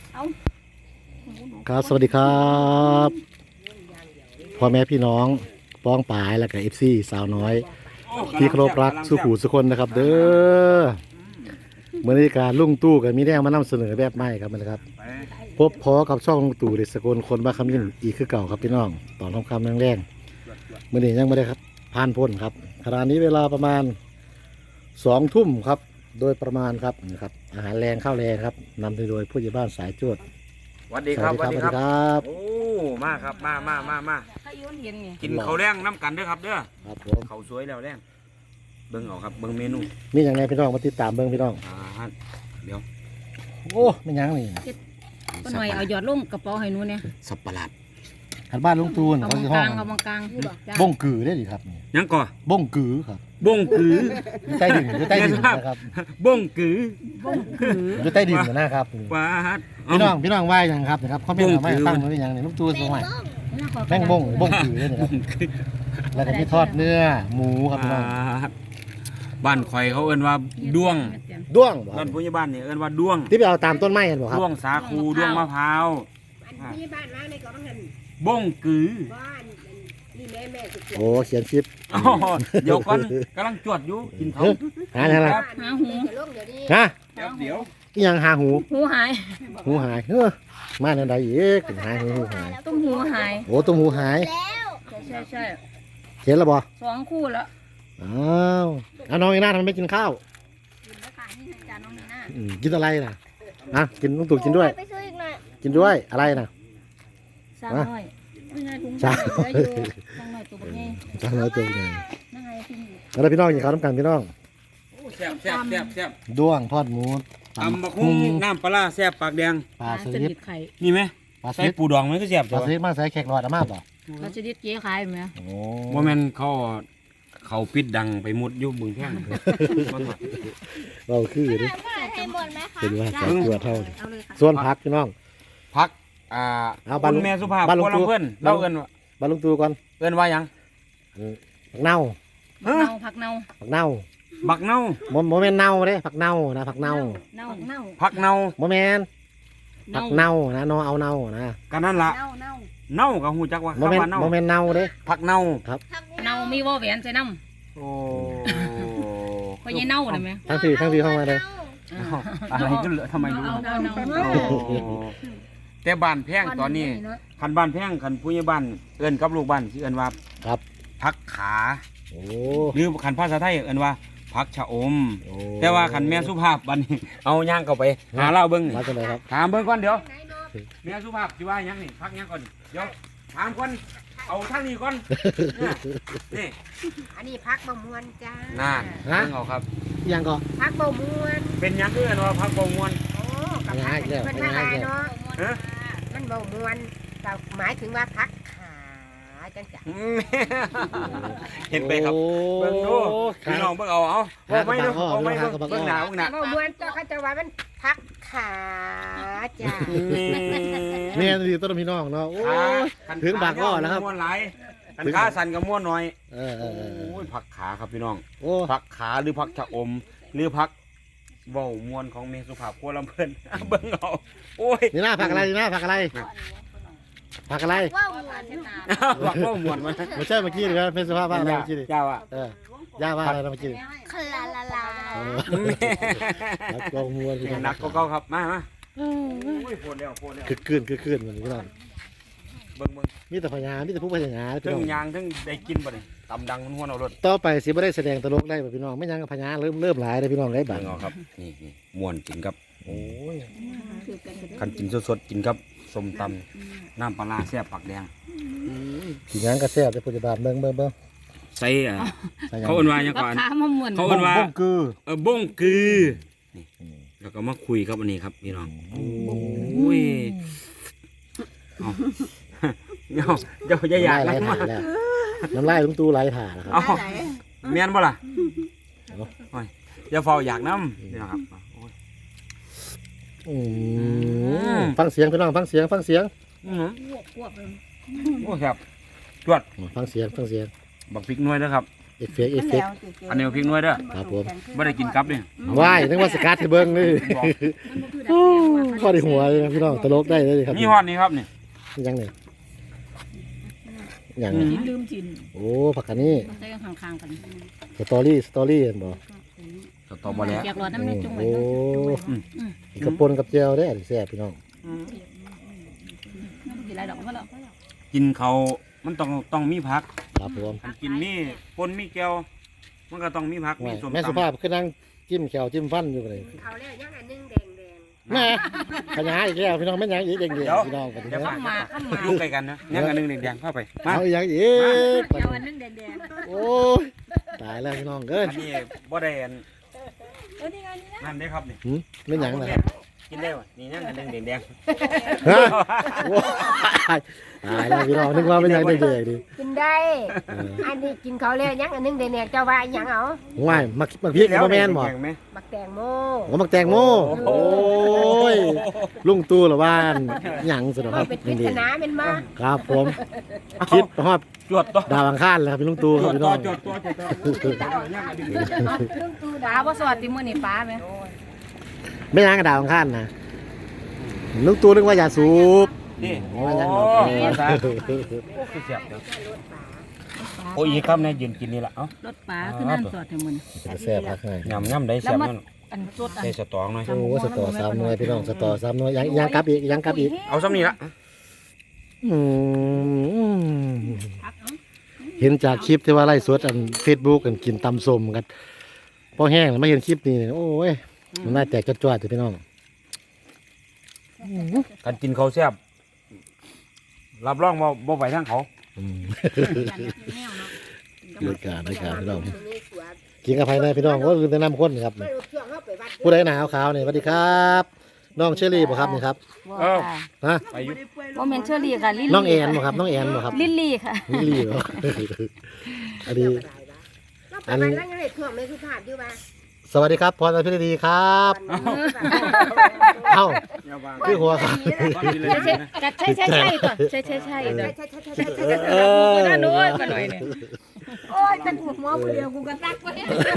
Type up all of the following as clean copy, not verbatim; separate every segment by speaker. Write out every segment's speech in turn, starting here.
Speaker 1: ครับสวัสดีครับพ่อแม่พี่น้องป้องปายและกับFCสาวน้อยที่เคารพรักสุขุสุคนนะครับ เด้อเมื่อนี้การลุงตู้กับมีแนวมานำเสนอแบบใหม่ครับนะครับพบพอกับช่องลุงตู่เด็กสกลคนบ้าคำยินอีกคือเก่าครับพี่น้องตอนทำคำแรงๆเมื่อนี้ยังไม่ได้ครับผ่านพ้นครับขณะนี้เวลาประมาณ2 ทุ่มครับโดยประมาณครับนะครับอาหารแรงข้าวแรงครับนำโดยผู้ใหญ่บ้านสายจวด
Speaker 2: สวัสดีครับสวัสดี
Speaker 1: ครับ
Speaker 2: โอ้มาครับมากินข้าวแรงน้ำกันเด้อครับเด้อ
Speaker 1: ครับผม
Speaker 2: ข้าวสวยแล้วแรงเบิ่งเอาครับเบิ่งเมนู
Speaker 1: มีอย่างไรพี่น้องมาติดตามเบิ่งพี่น้อง
Speaker 2: เดี๋ยว
Speaker 1: โอ้ไม่ยั้งนี่
Speaker 3: ก็หน่อยเอาหยอดลงกระเป๋าให้หนูเนี่ย
Speaker 2: สับปะรด
Speaker 1: ขันบ้านลุงตูน
Speaker 3: เอา
Speaker 1: เขา
Speaker 3: มัง
Speaker 1: สิห้อง
Speaker 3: กลางเอามังกลาง
Speaker 1: บ้งกือได้ดิครับ
Speaker 2: ยังก่อ
Speaker 1: บ้งกือครับ
Speaker 2: บ้งกือ
Speaker 1: อยู่ใต้ดินอยู่ใต้ดินนะครับ
Speaker 2: บ้งกือ
Speaker 1: อยู่ใต้ดินนะครับ
Speaker 2: ว้า
Speaker 1: พี่น้องว่าอย่างครับนะครับเขาไม่เอาไม่ตั้งไว้อย่างนี้ลุงตูนสมัยแม่งบ้งกือได้นะครับแล้วก็มีทอดเนื้อหมูครับพี่น้อง
Speaker 2: บ้านข่อยเขาเอิ้นว่าด้วงบ้านผู้ใหญ่บ้านนี่เอิ้นว่าด้วง
Speaker 1: ที่ไปเอาตามต้นไม้กันบ่ครับ
Speaker 2: ด้วงสาคูด้วงมะพร้าว
Speaker 4: ผู้ใหญ่บ้านมาในก็ต้องหัน
Speaker 2: บ้งกือ
Speaker 4: บ้านนี่แม่สุด
Speaker 1: โอ้เขียนชิป
Speaker 2: เดี๋ยวก่อนกำลังจวดอยู่กินเขา
Speaker 1: หาอะไร
Speaker 3: หาหู
Speaker 1: ฮะ
Speaker 2: เดี๋ยว
Speaker 1: ยังหาหู
Speaker 3: หาย
Speaker 1: เฮ้อมาในใดอีกหายหูหาย
Speaker 3: ตุ้มหูหาย
Speaker 1: โอ้ตุ้มหูหาย
Speaker 3: ใช่
Speaker 1: เห็นแล้วบ่
Speaker 3: 2 คู่แล้ว
Speaker 1: อ้าวน้องอีน่าทำไมไม่กินข้าวกินอะไรน่ะกินลุงตู่กินด้วยกินด้วยอะไรน่ะ
Speaker 3: สาวน้อย
Speaker 1: สาว
Speaker 3: น้อยตัวนี้
Speaker 1: สาวน้อยตัวนี้แล้วพี่น้องกินข้าวน้ำกันพี่น้อง
Speaker 2: แซ่บ
Speaker 1: ด้วงทอดหมู
Speaker 2: ตำบักหุ่งน้ำปลาแซ่บปากแดง
Speaker 1: ปลาสลิด
Speaker 2: นี่ไหมใส่ปูดองไหมก็แซ่บ
Speaker 1: ปลาสลิดมาใส่แขกหลอดมาบ่
Speaker 3: ปลาสลิดเจ๊ขายไหม
Speaker 2: โอ้โมเมนต์เขาปิดดังไปมุดยุบบึงแพง
Speaker 1: เราคือดิเป็นว่าใส่ตัวเท่าส่วนพักพี่น้อง
Speaker 2: พักบ้านแม่สุภาพบ้านลุงตู่เพื่อนเราเอิ้น
Speaker 1: บ้านลุงตู่ก่อน
Speaker 2: เอิ้นว่ายัง
Speaker 1: ผักเน่า
Speaker 3: ผักเน่า
Speaker 2: บักเน่า
Speaker 1: โมเมนเน่าเด้ผักเน่านะผักเน่า
Speaker 2: ผักเน่า
Speaker 1: โมเมนผักเน่านะนอเอาเน่านะ
Speaker 2: กันนั่นละเน่ากับหูจักว่า
Speaker 1: โมเมนเน่าเด้
Speaker 2: ผักเน่า
Speaker 1: ครับ
Speaker 3: เน่ามีว่าแหวนใส่น้ำ
Speaker 2: โอ้
Speaker 3: พอยัยเน่าเลยไหม
Speaker 1: ทั้งสี่เข้ามาเลย
Speaker 2: อะไรก็เหลือทำไมรู้แต่บ้านแพงตอนนี้คันบ้านแพงคันผู้ใหญ่บ้านเอิ้นกับลูกบ้านที่เอิ้นว่า
Speaker 1: ครับ
Speaker 2: ผักขาหรือคันภาษาไทยเอิ้นว่าผักชะอมแต่ว่าคันแม่สุภาพบัดนี้เอาย่างเข้าไปหาเล่าเบิ่งนี่ถามเบิ่งก่อนเดี๋ยวแม่สุภาพสิว่าหยังนี่ผักหยังก่อนเดี๋ยวถามก่อนเอาทางนี้ก่อนนี่
Speaker 4: อันนี้พักบ่มวนจ้า
Speaker 2: น่าเอาครับ
Speaker 1: ยังก็
Speaker 4: พักบ่มวน
Speaker 2: เป็นยังคือว่าพักบ่มวน
Speaker 4: โอ้กับพักเป็นพักอะไรเนาะมันบ่มวนก็หมายถึงว่าพักขาจังจ้ะ
Speaker 2: เห็นไปครับเบิ่งดูพี่น้องเบิ่งเอาไม่ดูเอาไม่เบิ่งหน้า
Speaker 4: บ่มวนเจ้าเขาจะว่ามันพักขาจ้ะ
Speaker 1: เนี่ยดีต้นพี่น้องเนาะโอ้ถึงบากอ้อแล้วครับ
Speaker 2: ม้วนหลายคันขาสั่นกับม้วนน้อยโอ้ยผักขาครับพี่น้องผักขาหรือผักชะอมหรือผักเว้ามวนของเมสุภาพครัวลำเพิ่นเบิ่งเอาโอ้ย
Speaker 1: นี่น่าผักอะไรนี่น่าผักอะไรผักอะไร
Speaker 2: ผักเว้ามวนมัน
Speaker 1: ไม่ใช่เมื่อกี้เลยครับเป็นสภาพผักอะไรเมื่อกี้
Speaker 2: เจ้าอ่ะ
Speaker 1: ย่าว่าอะไรเมื่อกี้
Speaker 4: คลาลาลา
Speaker 1: นักกองมวย
Speaker 2: นักก็เก่าครับมาโอ้ยโผล่แล้ว
Speaker 1: คือคืนเหมือนกัน
Speaker 2: เบิ่ง
Speaker 1: มีแต่พญามีแต่ผู้พญา
Speaker 2: ทั้งยางทั้งได้กินบ่นี่ตำดังมันหัวเอารถ
Speaker 1: ต่อไปสิบ่ได้แสดงตลกได้บ่พี่น้องไม่ยังกับพญาเริ่มหลายได้พี่น้องได้บ้าง
Speaker 2: ครับนี่ม่วนกินครับโอ้ยคันกินสดๆกินครับส้มตำน้ำปลาแซ่บปากแดง
Speaker 1: กินยังก็แซ่บแต่ปัจจุบันเบิ่ง
Speaker 2: ใส่เขาเอิ้นว่าหยังก่อนเขาเอิ้นว่า
Speaker 1: บ้งกือ
Speaker 2: บ้งกือนี่แล้วก็มาคุยครับอันนี้ครับพี่น้องโอ้ยเดี๋ยวอย่าอยาก
Speaker 1: ไหลถ่าแล้วน้ำลายลุงตู่ไหลถ่าแล้วครับ
Speaker 2: เมียนบ่ล่ะอย่าเฝ้าอยากน้ำนี่นะครับ
Speaker 1: ฟังเสียงพี่น้องฟังเสียงโ
Speaker 2: อ้ครับจวด
Speaker 1: ฟังเสียง
Speaker 2: บักพริกน้อยนะครับ
Speaker 1: เอฟเฟกต์เอฟเฟกต์
Speaker 2: อันนี้เอาพริกน้อยเด้อ
Speaker 1: ครับผม
Speaker 2: บ่ได้กินกับนี่
Speaker 1: ว่ายนึกว่าสกัดให้เบิ่งนี่
Speaker 2: บอก
Speaker 1: โอ้ข้อดีหัวเลยนะพี่น้องตลกได้เลยครับ
Speaker 2: มีฮอดนี่ครับนี่
Speaker 1: ยังนี่ยัง
Speaker 3: กินลืมกิน
Speaker 1: โอ้ผักกันนี่
Speaker 3: ใส่กันข้างๆกัน
Speaker 1: สตอรี่เห็นบ่
Speaker 2: สตอบ่แล้ว
Speaker 3: อยากรอน้ำในจุ่มไว้
Speaker 1: โอ้
Speaker 3: นะ
Speaker 1: กระปนกับเจียวได้อแซ่บพี่น้อง
Speaker 3: ไม่กินอะไรดอกก็แล้ว
Speaker 2: กินเขามันต้องมีผัก
Speaker 1: ครับผม
Speaker 2: คันกินมีปนมีแก้วมันก็ต้องมีผักมีส้ม
Speaker 1: แม่สุ
Speaker 2: ตำ
Speaker 1: ภาพขึ้นนั่งจิ้มแขวจิ้มฟันอยู่เลย
Speaker 4: เขาแล้วยังอันนึงแดง
Speaker 1: แม่ขยายอีกแล้วพี่น้องแม่นยังอีกเด้งๆพี่น้องกัน
Speaker 2: เดี๋ยว
Speaker 3: ข้ามมาข้ามมา
Speaker 2: ลูกไก่กันนะยังอันหนึงแดงๆเข้าไปมา
Speaker 1: เอาอีกอย่างอีก
Speaker 3: เอาอันนึงแดง
Speaker 1: โอ้ยตายแล้วพี่น้องเอ้ย
Speaker 2: อันนี้บ่ได้อัน
Speaker 3: ๆนี่ไงนี่นะ
Speaker 2: นั่นเด้ครับนี่
Speaker 1: หืมแม่นหยังล่ะครับ
Speaker 2: กินได้บ่นี่ยังอันหนึงแดง
Speaker 1: ฮะโอ้ยตายแล้วพี่น้องนึกว่าเป็นหยังเด็กๆดิ
Speaker 4: ๆกินได้อันนี้กินเขาแล้วยังอันนึงแดงๆเจ้าว่าหยังเอา
Speaker 1: ง่ายมักพริกบ่แม่นบ่
Speaker 2: แดงไหม
Speaker 4: บักแตงโม
Speaker 1: ผมมักแตงโมโอ้ยลุงตู่ละบ้านหยังสุดค
Speaker 4: มั
Speaker 1: รั
Speaker 4: น
Speaker 1: บ
Speaker 4: เป็นปริ
Speaker 1: นี่
Speaker 4: ศนาเป็นมา
Speaker 1: ครับผมคิดฮอด
Speaker 2: จวดต่อ
Speaker 1: ดาวอังคารแล้วครับพี่ลุงตู่
Speaker 2: จ
Speaker 1: ครับ
Speaker 2: วด
Speaker 1: พี่
Speaker 2: ต่
Speaker 1: น้
Speaker 2: อ
Speaker 1: อง
Speaker 2: จวดต่อจวดต่อยังอันหนึงแดง
Speaker 4: เรื่องตู
Speaker 3: ปลาบ่สวัสดีมื้อนี้ปลาไหม
Speaker 1: ไม่ยังกับดาวอังคารนะลุงตู่นึกว่าอย่าสูบ
Speaker 2: นี่
Speaker 1: โอ้
Speaker 2: โอ้
Speaker 1: ยยัง
Speaker 2: ย
Speaker 1: หรอก
Speaker 2: สาธุคือเสียบเด้อโอ้ยอีกครับเนี่ยยืนกินนี่ล่ะเอ้าร
Speaker 3: ถปลาคือนั่นสอดให้มื้อนี้
Speaker 1: จะแซ่บพักให้
Speaker 2: ยำได้แซ่บนั่น
Speaker 3: อันสดอัน
Speaker 2: ใส่สตองหน่อย
Speaker 1: โอ้สตอ3หน่วยพี่น้องสตอ3หน่วยยังกลับอีกยังกลับอีก
Speaker 2: เอาซ้ำนี่ละ
Speaker 1: อืม
Speaker 3: พักเนาะ
Speaker 1: เห็นจากคลิปที่ว่าไล่สดอัน Facebook กันกินตำส้มกันพอแห้งแล้วมาเห็นคลิปนี้โอ้ยมันน่าแตกจวดๆเลยพี่น้อง
Speaker 2: การกินเขาวแซ่บรับรองว่าบ่ไหวทั้งเขา
Speaker 1: อืม
Speaker 3: แนวเนาะ
Speaker 1: รายการพี่น้อง
Speaker 4: นี่สวย
Speaker 1: กินกับภายในพี่น้องก็คือแนะนำคนครับ
Speaker 4: ไม่รู้ช่วงเขาไปวัด
Speaker 1: ผู้ใดหนาวขาวนี่สวัสดีครับน้องเชอรี่บ่ครับนี่ครับ
Speaker 3: บ่ค่ะ
Speaker 1: ฮะ
Speaker 2: ไปอยุ
Speaker 3: บ่แม่นเชอรี่ค่ะลิลลี่
Speaker 1: น้องแอนบ่ครับน้องแอนบ่ครับ
Speaker 3: ลิลลี่ค่ะ
Speaker 1: ลิลลี่บ่อันนี้
Speaker 4: อันนี้แล้วยังไงช่วงไม่สุภาพอยู่ว่า
Speaker 1: สวัสดีครับพรพิรดีครับเอ้าคือหัวครับ
Speaker 3: ใช่ก่อนใช่ก่อน
Speaker 1: เออ
Speaker 3: ด้านโน้นมาหน่อยเนี่ย
Speaker 4: โอ้ยจะกูหัวผู้เดียวกูก็ตักไป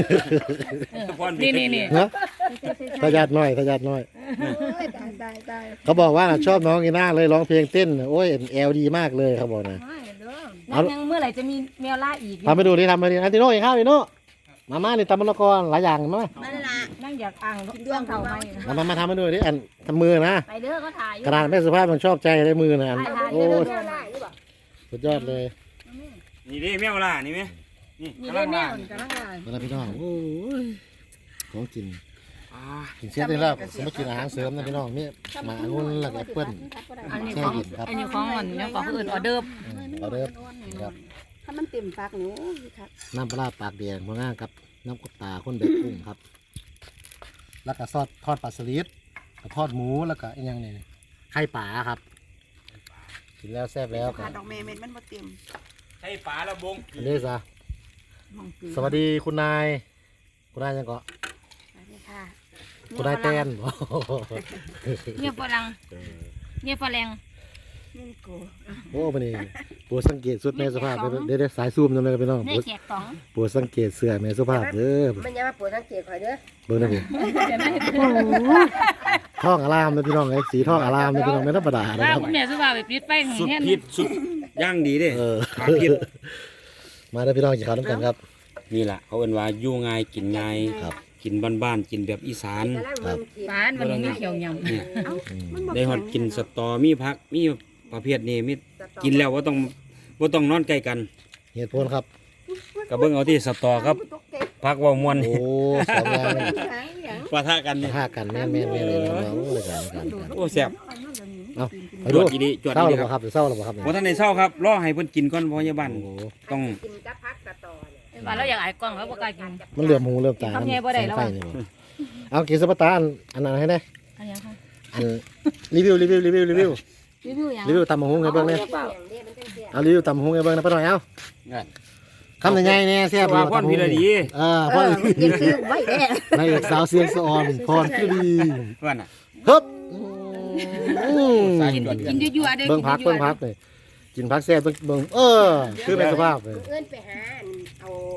Speaker 3: นี่
Speaker 1: นะทายาทน้อยทายาทน้อย
Speaker 4: ตาย
Speaker 1: เขาบอกว่าชอบน้องอีน่าเลยร้องเพลงเต้นโอ้ยแอลดีมากเลยเขาบอกนะ
Speaker 3: นั่นยังเมื่อไหร่จะมีแมวล่าอีก
Speaker 1: ทำไปดูดิทำไปดิอันติโน่อีกข้าวอีโน่มานี่ตำมะละกอหลายอย่างมา
Speaker 4: มันละ
Speaker 3: นั่งอยากอ่างดวงเท่าไหม
Speaker 1: มาทำมาดูดิอันทำมือนะ
Speaker 3: ไปเด้อก็ถ่าย
Speaker 1: กระดาษแม่สุภาพมันชอบใจได้มือนะอันโอ้
Speaker 4: เรื่องอะไรนี่บอก
Speaker 1: สุดยอดเลย
Speaker 2: นี่ดิแมวล่ะนี่ไหมนี่
Speaker 3: มี
Speaker 2: กำ
Speaker 3: ได้
Speaker 2: ลัง
Speaker 3: แม
Speaker 2: ล่ะ
Speaker 3: วกำลังลาย
Speaker 1: มาแล้วพี่น้องโอ้ยของกิน
Speaker 2: อ่า
Speaker 1: กินเสียได้แล้วสมมติกินอาหารเสริมนะพี่น้องนี่หมาองุ่นแล้วก็แอปเปิ้ล
Speaker 3: อันนี้ของอันนี้ของมันเนี่ยของอื่นออเดิร์ฟ
Speaker 1: เอาเด้อครับ
Speaker 5: ถ้ามันเต็มปากหนูครับ
Speaker 1: น้ำปลาร้าปากแดงมาง่างครับน้ำกบตาข้นแบบกุ้งครับ แล้วก็ทอดปลาสลิดกับทอดหมูแล้วก็อีกอย่างหนึงไข่ป่าครับกินแล้วแซ่บแล้วค
Speaker 5: ขา
Speaker 1: รั
Speaker 5: ด
Speaker 1: บ
Speaker 5: ดอกเมย์เม็ดมันบ่เต็ม
Speaker 2: ใช่ปลาละบง
Speaker 1: อันนี้ซะสวัสดีคุณนายยังเกาะ
Speaker 5: สวัสดีค่ะ
Speaker 1: คุณนายแตน
Speaker 3: เนี่ยฝรั่งเนี่ยฝรั่ง
Speaker 5: นี่กู
Speaker 1: โอ้ปนี่ปวดสังเกตสุดแม่สุภาพเดี๋ยวสายซูมจำเลยพี่น้อง
Speaker 3: เนี่ยแขกสอง
Speaker 1: ปวดสังเกตเสื้อแม่สุภาพเด้อ
Speaker 4: มันยังมาปวดสังเกตคอยเด้อ
Speaker 1: เบิ่งนะพี่
Speaker 3: เดี๋ยวนะ
Speaker 1: ท่องอารามนะพี่น้องไอ้สีท่องอารามนะพี่น้องไม่ธรรมดานะ
Speaker 3: ว่า
Speaker 1: ครับ
Speaker 3: คุณแม่สุภาพไปปิดไฟของ
Speaker 2: สุด
Speaker 3: เนี่ย
Speaker 2: พิษสุดย่างดีเด้
Speaker 1: เออ
Speaker 2: ขาพิษ
Speaker 1: มาเด้อพี่น้องกินข้าวน้ำกันครับ
Speaker 2: นี่แหละเขาเอิ้นว่าอยู่ง่ายกินง่าย
Speaker 1: ครับ
Speaker 2: กินบ้านๆกินแบบอีสาน
Speaker 4: กำลังมึงขีด
Speaker 3: บ้านวันนี้มีเขียวยำ
Speaker 2: เนี่ย
Speaker 5: มันบ่
Speaker 2: ได้ฮอดกินสตอมีผักมีประเภทนี้มี
Speaker 4: สตอ
Speaker 2: กินแล้วว่าต้องนอนใกล้กัน
Speaker 1: เหตุผลครับ
Speaker 2: ก็เบิ่งเอาที่สตอครับผักเว่ามวน
Speaker 1: โอ้สองอย่างนี่
Speaker 2: ปะทะกันนี่
Speaker 1: ท่ากันแม่นเลยน้องๆเลยกัน
Speaker 2: โอ้แซ่บ
Speaker 1: เอาไป
Speaker 2: จ
Speaker 1: ดู
Speaker 2: วดอีดีจวด
Speaker 1: เศร้า
Speaker 2: อี
Speaker 1: ห
Speaker 2: ดี
Speaker 1: รือ
Speaker 2: ค
Speaker 1: เป
Speaker 2: รับ
Speaker 1: ล่าครับเศร้าหรือเปล่าครับ
Speaker 2: บ่ทันได้เศร้าครับรอให้เพิ่นกินก่อนพยาบาล
Speaker 1: โอ้โห
Speaker 2: ต้อง
Speaker 4: กินกับพักสตอเนี่ย
Speaker 3: ว่าเราอยากอายกล้องแล้วบ่กล้ากิน
Speaker 1: มันเหลื่อมหูเหลื่อมตา
Speaker 3: ทำไงบ่ได้แล้ว
Speaker 1: ไฟ
Speaker 3: อะ
Speaker 1: นี่บ่เอากินสปาตาอันนั้นให้ได้
Speaker 3: อันนี้ค่ะ
Speaker 1: อันรีวิว
Speaker 3: รีวิวอย่าง
Speaker 1: รีวิวตำบักหุ่งให้เบิ่งเลย
Speaker 4: อย่างนี้มันจังเสีย
Speaker 1: เอารีวิวตำบักหุ่งให้เบิ่งนะป้าหน่อยเอา
Speaker 2: นั่น
Speaker 1: คำใหญ่ๆเนี่ยแซ่บ
Speaker 2: ว่าพรพิรดี
Speaker 1: พ่อ
Speaker 4: กินคือไว้แน่
Speaker 1: นายเอกสาวเสียงสะออนพรพิรดี
Speaker 2: เพื่อนน่ะ
Speaker 1: ฮึบ
Speaker 2: สาเหตุว่า
Speaker 3: กินยั่วๆเด้อ
Speaker 1: เบิ่งพักเลยกินพักแซ่บเบิ่งคือเป็นสภาพเลย
Speaker 4: เอื้อนไปหาเอา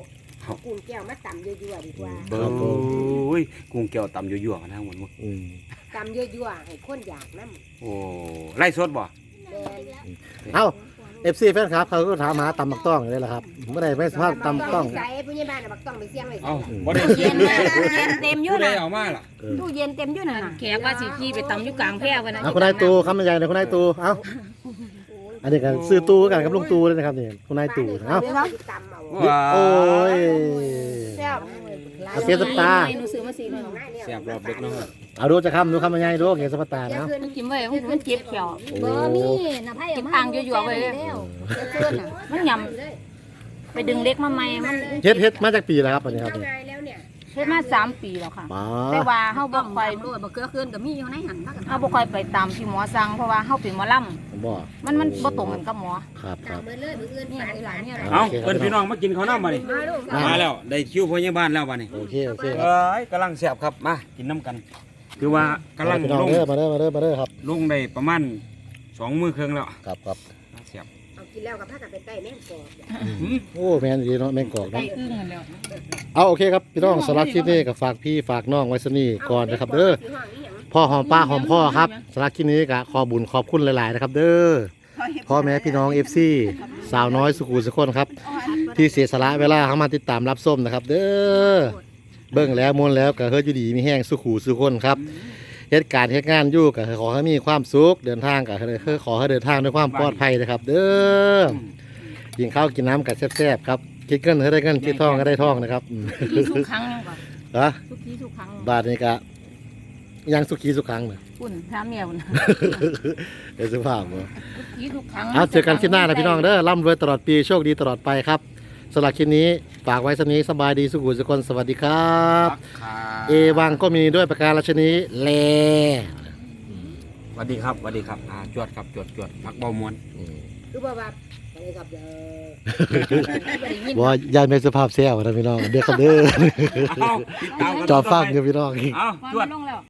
Speaker 4: เอากุ้งแก้วมาตำยั่วๆดีกว่า
Speaker 2: เบ้ยกุ้งแก้วตำยั่วๆกันทั้งหมดมั้ง
Speaker 4: ตำยั่วๆให้คนอยากน้ำ
Speaker 2: โอ้ไล่สดบ่
Speaker 4: แดง
Speaker 1: เอ้า FC แฟนครับเขาก็ถามหาตำบักต้องอยู่เลยล่ะครับเมื่อใดไม่สามารถตำบักต้อง
Speaker 4: ใส่ผู้ใหญ่บ้านบักต้องไปเสี่ยงไว้
Speaker 2: เอ้าบ่ได้เย็น
Speaker 3: เย็นเต็มอยู่
Speaker 2: ผู้ใด
Speaker 3: น่ะ
Speaker 2: เอามาล่ะ
Speaker 3: ตู้เย็นเต็มอยู่น่ะแขกว่าสิขี่ไปตำอยู่กลางแพร่วันนั้น
Speaker 1: เอาคุณนายตูคำใหญ่เลยคุณนายตูเอ้าอันนี้กันซื้อตูกันกับลุงตูเลยนะครับนี่คุณนายตูเอ้า
Speaker 4: ตำเอา
Speaker 2: ว้า
Speaker 1: โอ้ย
Speaker 4: แซ่บ
Speaker 1: เอาเกียร์สตาร์
Speaker 3: หนูซื้อมา4
Speaker 2: แซ่บรอบดึกเนาะ
Speaker 1: เอาดูจะคำดูคำใหญ่ดูเกียร์สตาร์
Speaker 4: เดี๋ยว
Speaker 1: เนาะ
Speaker 4: คืน
Speaker 3: มันกินไว้มันเจ็บแขว
Speaker 1: โอ้
Speaker 3: น่ะไผกินอ่างยั่วๆไว้แล้วเพื่อนน่ะมันยำไปดึงเล็กมาใหม่มัน
Speaker 1: เฮ็ดมาจากปีแล้วครับอันนี้ครับ
Speaker 4: เอา
Speaker 1: นี่
Speaker 4: ไงแล้วเนี่ย
Speaker 3: เฮ็ดมา3 ปีแล้วค่ะ
Speaker 1: ป๋า
Speaker 3: แต่ว่าเฮาบ่ค่อยบ่เกลือคืนก็มีอยู่ในหันเฮาบ่ค่อยไปตามที่หมอสั่งเพราะว่าเฮาเป็นหมอลำ
Speaker 1: ผมบอก
Speaker 3: มันบ่ตรงกันกับหมอ
Speaker 1: ครับครับ
Speaker 4: ตำมือเลยมืออื่น
Speaker 3: นี่
Speaker 4: ฝาน
Speaker 3: หลานเนี่ย
Speaker 2: เอ้าเพิ่นพี่น้องมากินข้าวน้ำมาดิ
Speaker 4: มาลูก
Speaker 2: มาแล้วได้คิวพยาบาลแล้วบัดนี้
Speaker 1: โอเคโอเคครับ
Speaker 2: เอ้ยกำลังแซ่บครับมากินน้ำกัน คือว่ากำลัง
Speaker 1: พี่น้อง
Speaker 2: ลง
Speaker 1: เด้อมาเด้อมาเด้อมาเด้อครับ
Speaker 2: ลงได้ประมาณ2 มื้อครึ่งแล้ว
Speaker 1: ครับครับ
Speaker 2: แซ่บ
Speaker 4: เอากินแล้วกับผ้ากันไปใต้แม่งกอก
Speaker 1: โอ้แม่นดีเนาะแม่งกอก
Speaker 3: ไก่
Speaker 1: เนาะ
Speaker 3: อึ้งกันแล้ว
Speaker 1: เอาโอเคครับพี่น้องสำหรับคลิปนี้ก็ฝากพี่ฝากน้องไว้สนี่ก่อนนะครับเด้อ
Speaker 4: สีห้องนี้หยัง
Speaker 1: พ่อหอมป้าหอมพ่อครับสำหรับคลิปนี้ก็ขอบุญขอบคุณหลายๆนะครับ เด้อพ่อแม่พี่น้อง FC สาวน้อยสุขุมสุขนครับ ที่เสียสละเวลาเข้ามาติดตามรับส้มนะครับ เด้อเบิ่งแล้วมวนแล้วก็เฮ็ดอยู่ดีมีแห้งสุขุสุขนครับเหตุการณ์เหตุงานอยู่ก็ขอให้มีความสุขเดินทางก็ขอให้เดินทางด้วยความปลอดภัยนะครับ เด้อกินข้าวกินน้ำกันแซ่บๆครับคิดเงินให้ได้เงินคิดทองก็ได้ทองนะครับ
Speaker 3: ที่ทุกครั้งยังก่อน
Speaker 1: ฮะ
Speaker 3: ทุกที่ทุกครั้ง
Speaker 1: บาทนี้ก็ยังสุขีสุขครั้งเนอะ
Speaker 3: อุ่นถามเมียอุ่น
Speaker 1: เดี๋ยวสุภาพบ่
Speaker 3: ทุกที่ทุกครั้ง
Speaker 1: เอาเจอกันคลิปหน้านะพี่น้องเด้อร่ำรวยตลอดปีโชคดีตลอดไปครับสำหรับคลิปนี้ฝากไว้สนี้สบายดีสุขุสุคนสวัสดีครับ เอวังก็มีด้วยประการราชนีแล
Speaker 2: สวัสดีครับสวัสดีครับจวดครับจวดพักเบามวน
Speaker 4: คือบอกว่าอะไรครับเด้อ
Speaker 1: ว่ายายไม่สุภาพแซวนะพี่น้องเด้อครับเด้อ
Speaker 2: เอาติดตามกัน
Speaker 1: จอฟังอยู่พี่น้อง
Speaker 2: เอา
Speaker 3: พอ
Speaker 2: จว
Speaker 3: มั
Speaker 2: ด
Speaker 3: นลงแล้ว